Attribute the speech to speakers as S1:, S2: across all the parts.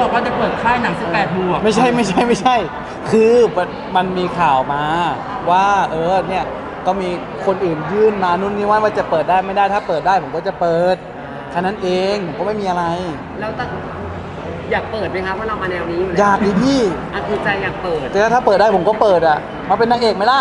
S1: บอกว่าจะเปิดค่ายหนัง18 บวก
S2: ไม่ใช่คือมันมีข่าวมาว่าเนี่ยก็มีคนอื่นยื่นมานู่นนี่ว่าจะเปิดได้ไม่ได้ถ้าเปิดได้ผมก็จะเปิดแค่นั้นเองผมก็ไม่มีอะไร
S3: แล้วอยากเปิดไหมคะเพราะเรามาแนวนี้อยู่แล้ว
S2: อยากดิพี่
S3: คือใจอยากเปิด
S2: แต่ถ้าเปิดได้ผมก็เปิดอ่ะมาเป็นนางเอกไหมล่ะ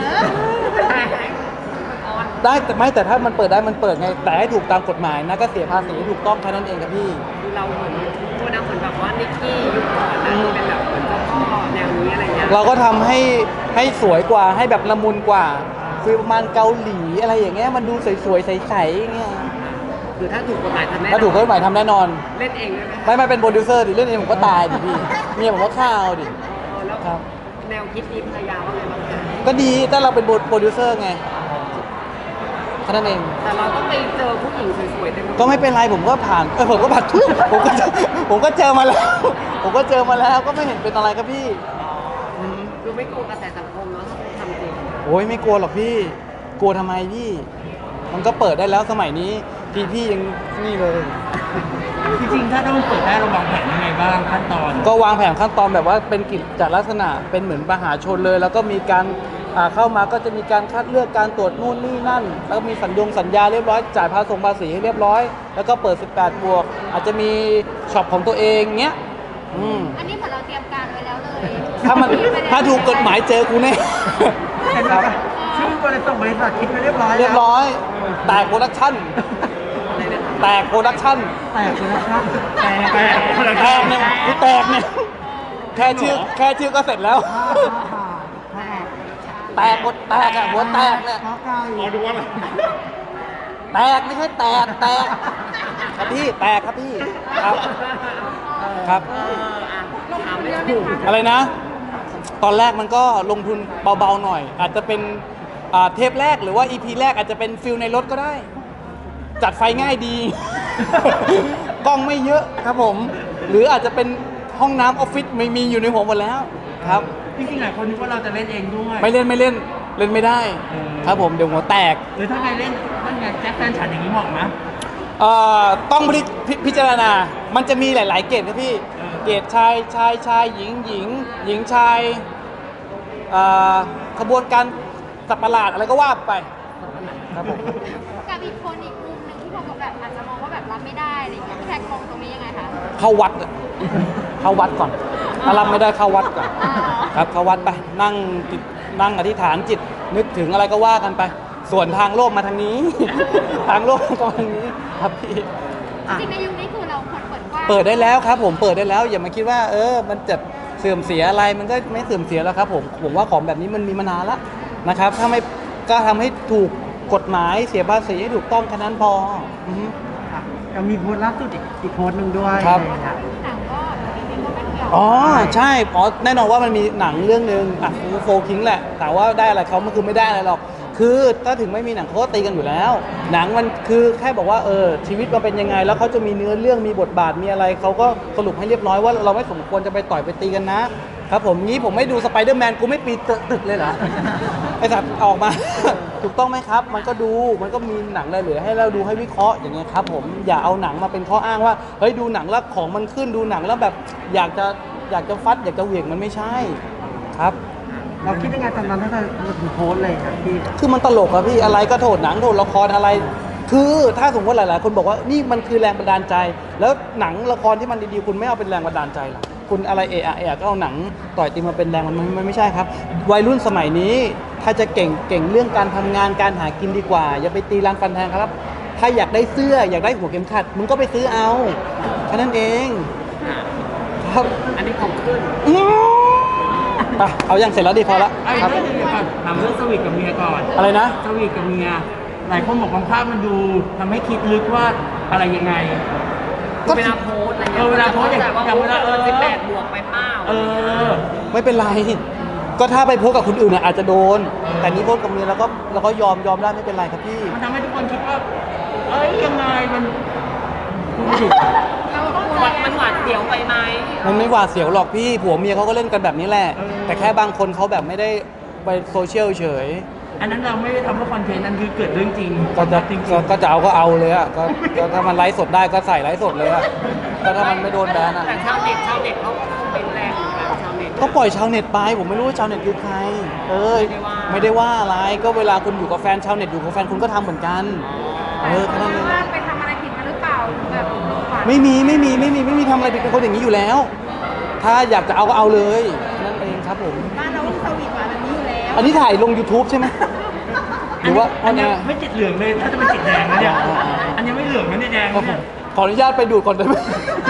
S2: ได้แต่ถ้ามันเปิดได้มันเปิดไงแต่ให้ถูกตามกฎหมายนะก็เสียภาษีถูกต้องแค่นั้นเองครับพี่
S3: เราเหมือนพูดนะเหมือนแบบว่านิกกี้ยุคก่อนนะเป็นแบบเหมือนเจ้าพ่อแนวนี้อะไรเงี้ย
S2: เราก็ทำให้สวยกว่าให้แบบละมุนกว่าคือประมาณเกาหลีอะไรอย่างเงี้ยมันดูสวยๆใสๆอย่างเงี้ย
S3: คือถ้าถูกกฎหมายทำแน่นอน
S2: ถ้าถูกกฎหมายทำแน่นอน
S3: เล่นเองได้ไหม
S2: ไม่เป็นโปรดิวเซอร์ดิเล่นเองผมก็ตายดิพี่เมียผมก็ฆ่าเอาดิ
S3: แล้วแนวคิดนี้ภรรยาว่าไงบ้างคะ
S2: ก็ดีถ้าเราเป็นโปรดิวเซอร์ไงแค่นั้นเอง
S3: แต่เราต้องไปเจอผู้หญิงสวยๆ
S2: ก็ไม่เป็นไรผมก็ผ่านผมก็ผ่านผมก็เจอมาแล้วผมก็เจอมาแล้วก็ไม่เห็นเป็นอะไรครับพี่
S3: คือไม่กลัวกระแสสังคมเนาะถ้าทำจริง
S2: โอ้ยไม่กลัวหรอกพี่กลัวทำไมพี่มันก็เปิดได้แล้วสมัยนี้พี่ยังนี่เลย
S1: จริงๆถ้ามันเปิดได้เราวางแผนยังไงบ้างขั้นตอน
S2: ก็วางแผนขั้นตอนแบบว่าเป็นกิจลักษณะเป็นเหมือนมหาชนเลยแล้วก็มีการเข้ามาก็จะมีการคัดเลือกการตรวจนู่นนี่นั่นแล้วก็มีสัญญาเรียบร้อยจ่ายภาษีให้เรียบร้อยแล้วก็เปิด18 บวกอาจจะมีช็อปของตัวเองเงี้ย
S4: อันนี้เหมือนเราเตรียมการไว้แล้วเลย
S2: ถ้าถูกกฎหมายเจอกูแน่
S1: ครับชื่อบริษัทคิดไปเรียบร้
S2: อยแตกโปรดักชั่นแตกโปรดักชั่นเนี่ยกูแตกเนี่ยแค่ชื่อก็เสร็จแล้วแตกหัวแตกเนี่ย
S1: ดูว่าอะไร
S2: แตกไม่ใช่แตกครับพี่แตกครับพี่ครับอะไรนะตอนแรกมันก็ลงทุนเบาๆหน่อยอาจจะเป็นเทปแรกหรือว่า EP แรกอาจจะเป็นฟิลในรถก็ได้จัดไฟง่ายดีกล้องไม่เยอะครับผมหรืออาจจะเป็นห้องน้ำออฟฟิศไม่มีอยู่ในหัวหมดแล้วครับ
S1: จริงๆหลายคนนึกว่าเราจะเล่นเองด้วย
S2: ไม่เล่นไม่ได้ครับผมเดี๋ยวหัวแตก
S1: หรือถ้าใครเล่นถ้าไงแจ็คแฟนฉันอย่างนี้เหมาะไหม
S2: ต้องพิจารณามันจะมีหลายๆเกรดนะพี่เกรดชายหญิงชายขบวนการสัตว์ประหลาดอะไรก็ว่าไปครับผม
S4: กับอีกคนอีกมุมหนึ่งที่ผมแบบอาจจะมองว่าแบบรับไม่ได้อะไรเงี้ยแท็กมองตรงนี้ยังไงคะ
S2: เข้าวัดก่อนถ้ารับไม่ได้เข้าวัดก่อนครับเข้าวัดไปนั่งอธิษฐานจิตนึกถึงอะไรก็ว่ากันไปส่วนทางโลกมาทางนี้ทางโลกมาทางนี้ครับพี่
S4: จริงในยุคนี้คือเราควรเปิดกว้าง
S2: เปิดได้แล้วครับผมเปิดได้แล้วอย่ามาคิดว่ามันจะเสื่อมเสียอะไรมันก็ไม่เสื่อมเสียแล้วครับผมว่าของแบบนี้มันมีมานานแล้วนะครับถ้าไม่ก็ทำให้ถูกกฎหมายเสียภาษีให้ถูกต้องแค่นั้นพอ
S1: มีโพสต์ล่าสุดอีกโพสต์นึงด้วย
S2: ครับอ๋อใช่แน่นอนว่ามันมีหนังเรื่องนึงโฟคิงแหละแต่ว่าได้อะไรเขามันคือไม่ได้อะไรหรอกคือถ้าถึงไม่มีหนังเขาก็ตีกันอยู่แล้วหนังมันคือแค่บอกว่าชีวิตมันเป็นยังไงแล้วเขาจะมีเนื้อเรื่องมีบทบาทมีอะไรเขาก็สรุปให้เรียบร้อยว่าเราไม่สมควรจะไปต่อยไปตีกันนะครับผมงี้ผมไม่ดูสไปเดอร์แมนกูไม่ปีนตึกเลยเหรอไอ้สัตว์ออกมาถูกต้องไหมครับมันก็ดูมันก็มีหนังอะไรเหลือให้เราดูให้วิเคราะห์อย่างเงี้ยครับผมอย่าเอาหนังมาเป็นข้ออ้างว่าเฮ้ยดูหนังแล้วของมันขึ้นดูหนังแล้วแบบอยากจะฟัดอยากจะเหวี่ยงมันไม่ใช่ครับ
S1: เราคิดยังไงตอนนั้นถ้าเราโพสเลยครับพี่
S2: คือมันตลกอะพี่อะไรก็โทษหนังโทษละครอะไรคือถ้าสมมติหลายๆคนบอกว่านี่มันคือแรงบันดาลใจแล้วหนังละครที่มันดีๆคุณไม่เอาเป็นแรงบันดาลใจหรอคุณอะไรก็เอาหนังต่อยตีมาเป็นแรงมันไม่ใช่ครับวัยรุ่นสมัยนี้ถ้าจะเก่งเรื่องการทำงานการหากินดีกว่าอย่าไปตีรันฟันแทงครับถ้าอยากได้เสื้ออยากได้หัวเข็มขัดมึงก็ไปซื้อเอาแค่นั้นเองครับ
S3: อันนี้ของขึ้น
S2: เอาอย่างเสร็จแล้วดีพอละ
S1: ครับถามเรื่องสวีทกับเมียก่อน
S2: อะไรนะ
S1: สวีทกับเมียหลายคนบอกบางภาพมันดูทำให้คิดลึกว่าอะไรยังไง
S3: เวลาโพสอะไรเงี้ย
S1: เวลาโพสอย่าง
S3: เวลา18 บวกไปเป้า
S2: ไม่เป็นไรก็ถ้าไปโพสกับคนอื่นอาจจะโดนแต่นี้โพสกับเมียแล้วก็ยอมได้ไม่เป็นไรครับพี่
S1: มันทำให้ทุกคนคิดว่ายังไงมัน
S3: หวาดเสียวไปไหม
S2: มันไม่หวาดเสียวหรอกพี่ผัวเมียเขาก็เล่นกันแบบนี้แหละแต่แค่บางคนเขาแบบไม่ได้ไปโซเชียลเฉย
S1: อันนั้นเราไม่ได้ทำเพื่อคอนเทนต์นั่นคือเกิดเรื่องจริง
S2: ก็จะ
S1: จริง
S2: ก็จะเอาก็เอาเลยอ่ะก็ถ้ามันไลฟ์สดได้ก็ใส่ไลฟ์สดเลยอ่ะก็ถ้ามันไม่โดนแบนอ่ะ
S3: แต่ชาวเน็ตเขาเป็นแรงอยู่แล้วชาวเน็ต
S2: ก็ปล่อยชาวเน็ตไปผมไม่รู้ว่าชาวเน็ตคือใครไม่ได้ว่าอะไรก็เวลาคุณอยู่กับแฟนชาวเน็ตอยู่กับแฟนคุณก็ทำเหมือนกันแค่นั้นเอง
S4: ว่าไปทำอะไรผิดมาหรือเปล่าแบบขวัญ
S2: ไม่มีทำอะไรผิดเป็นคนอย่างนี้อยู่แล้ว ถ้าอยากจะเอาก็เอาเลยนั่นเองครับผม
S4: บ้านเราสวีทหวานแบบนี้อยู่แล้ว
S2: อันนี้ถ่ายลง YouTube ใช่ไหมหรือว่า
S1: อันเนี้ยไม่ติดเหลืองเลยถ้าจะเป็นติดแดงนะเนี่ยอันนี้ไม่เหลืองนะเนี่ยแดง
S2: ขอ
S1: เนี่ย
S2: ขออนุญาตไปดูดก่อนได้ไหม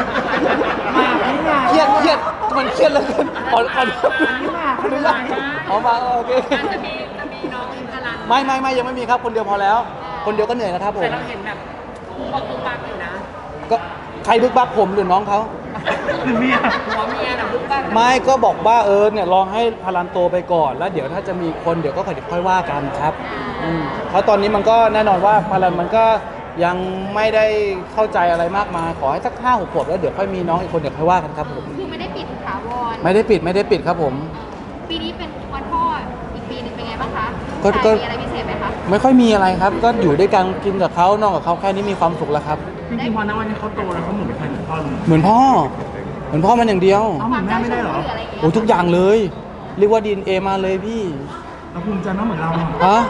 S2: เครียดมันเครียดเหลยขออนุญาตเอามาโอเค
S3: จะมีน้องพลัน
S2: ไม่ยังไม่มีครับคนเดียวพอแล้ว คนเดียวก็เหนื่อยนะครับผ
S3: แต่
S2: ม
S3: เราเห็นแบบปุ๊บปักอยู่นะ
S2: ก็ใครบึกบักผมหรือน้องเขา
S1: คือเมีย
S3: หัวเมียน่ะปุ๊บปัก
S2: ไม่ก็บอกว่าเนี่ยลองให้พลันโตไปก่อนแล้วเดี๋ยวถ้าจะมีคนเดี๋ยวก็ค่อยว่ากันครับเพราะตอนนี้มันก็แน่นอนว่าพลันมันก็ยังไม่ได้เข้าใจอะไรมากมายขอให้สัก5-6 ขวบแล้วเดี๋ยวค่อยมีน้องอีกคนเดี๋ยวค่อยว่ากันครับผม
S4: คือไม่ได้ปิดถาวร
S2: ไม่ได้ปิดครับผม
S4: ปีนี้เป็นวันพ่ออีกปีหนึงเป็นไงบ้างคะ
S2: ก็
S4: มีอะไรพิเศษไหมคะ
S2: ไม่ค่อยมีอะไรครับ ก็อยู่ด้วยกันกินกับเขานอนกับเขาแค่นี้มีความสุขแล้วครับ
S1: จริงๆพอณวันนี้เขาโตแล้วเขาเหมือนใครเหมือนพ่อเลย
S2: เหมือนพ่อมันอย่างเดียว
S1: เอ้าเหมือนแม่ไม่ได้เหรอ
S4: ะไรอย่างเงี้ย
S2: โอ้ทุกอย่างเลย เรียกว่าดีเอมาเลยพี่
S1: เราภูมิใจมากเหมือนเราอะ
S2: ฮะ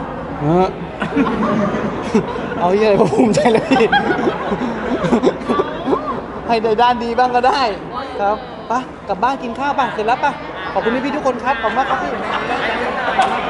S2: เอาอย่างไรก็ภูมิใจเลยพี่ ให้ในด้านดีบ้างก็ได้ครับไปกลับบ้านกินข้าวป่ะเสร็จแล้วป่ะขอบคุณพี่ๆทุกคนครับขอบคุณมากครับพี่